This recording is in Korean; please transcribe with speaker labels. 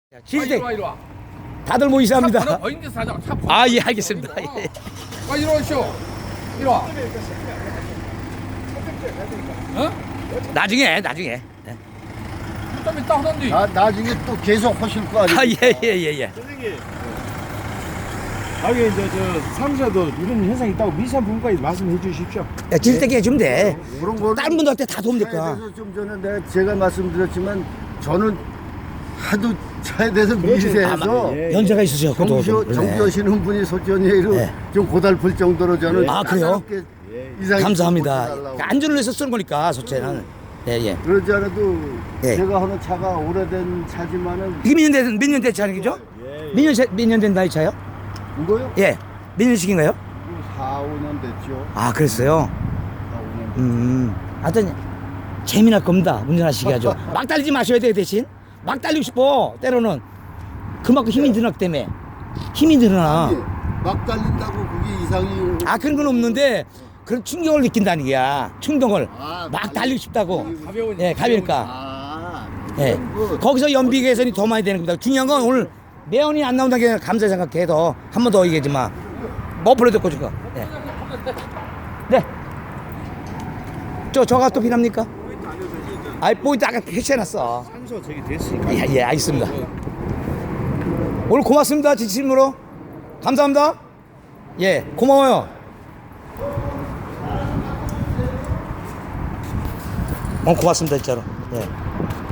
Speaker 1: 시스템
Speaker 2: 이리 와.
Speaker 1: 다들 모이시합니다.
Speaker 2: 차 번호 인데 사자. 차 번호.
Speaker 1: 아, 예, 알겠습니다. 예.
Speaker 2: 와 이리 오시오. 이리 와. 어?
Speaker 1: 나중에.
Speaker 2: 좀 이따 하던디.
Speaker 3: 나중에 또 계속 하실 거 아니에요?
Speaker 1: 아, 예.
Speaker 4: 선생님, 나중에 이제 저 사무실에도 이런 현상이 있다고 미사분과에 말씀해 주십시오.
Speaker 1: 야, 질때기 해주면 돼.
Speaker 3: 그런 거는
Speaker 1: 다른 분들한테 다 도움 될까?
Speaker 3: 차에 대해서 좀 전에 제가 말씀드렸지만 저는 하도 차에 대해서
Speaker 4: 그렇죠.
Speaker 3: 미세해서
Speaker 4: 예.
Speaker 1: 연세가 있으셔.
Speaker 3: 정지하시는 분이 솔직히
Speaker 1: 네.
Speaker 3: 좀 고달플 정도로 저는
Speaker 1: 아, 그래요?
Speaker 3: 까다롭게 이상하게
Speaker 1: 감사합니다.
Speaker 3: 고쳐달라고.
Speaker 1: 그러니까 안전을 위해서 쓰는 거니까, 소체는. 예.
Speaker 3: 그러지 않아도
Speaker 1: 예.
Speaker 3: 제가 하는 차가 오래된 차지만은
Speaker 1: 이게 몇 년 된 차량이죠? 몇 년 된 나이 차요?
Speaker 3: 이거요?
Speaker 1: 예. 몇 년씩인가요?
Speaker 3: 4, 5년 됐죠.
Speaker 1: 아, 그랬어요?
Speaker 3: 4, 5년.
Speaker 1: 하여튼, 재미날 겁니다. 운전하시게 하죠. 막 달리지 마셔야 돼요, 대신. 막 달리고 싶어, 때로는. 그만큼 힘이 늘어나기 때문에. 힘이 늘어나.
Speaker 3: 막 달린다고 그게 이상이
Speaker 1: 아, 그런 건 없는데, 그런 충격을 느낀다는 거야. 충동을.
Speaker 3: 아,
Speaker 1: 막 달리고 싶다고.
Speaker 2: 가벼우니.
Speaker 1: 예, 가벼우니까.
Speaker 3: 아,
Speaker 1: 예. 거기서 연비 개선이 더 많이 되는 겁니다. 중요한 건 오늘 매연이 안 나온다는 게 감사 생각해. 더. 한 번 더 얘기하지 마. 머플러 듣고 줄까? 예. 네. 저가 또 필요합니까? 아이, 포인트 아까 해체해놨어.
Speaker 4: 산소 저기 됐으니까.
Speaker 1: 예, 알겠습니다. 오늘 고맙습니다. 진심으로. 감사합니다. 예, 고마워요. 고맙습니다, 진짜로. 예.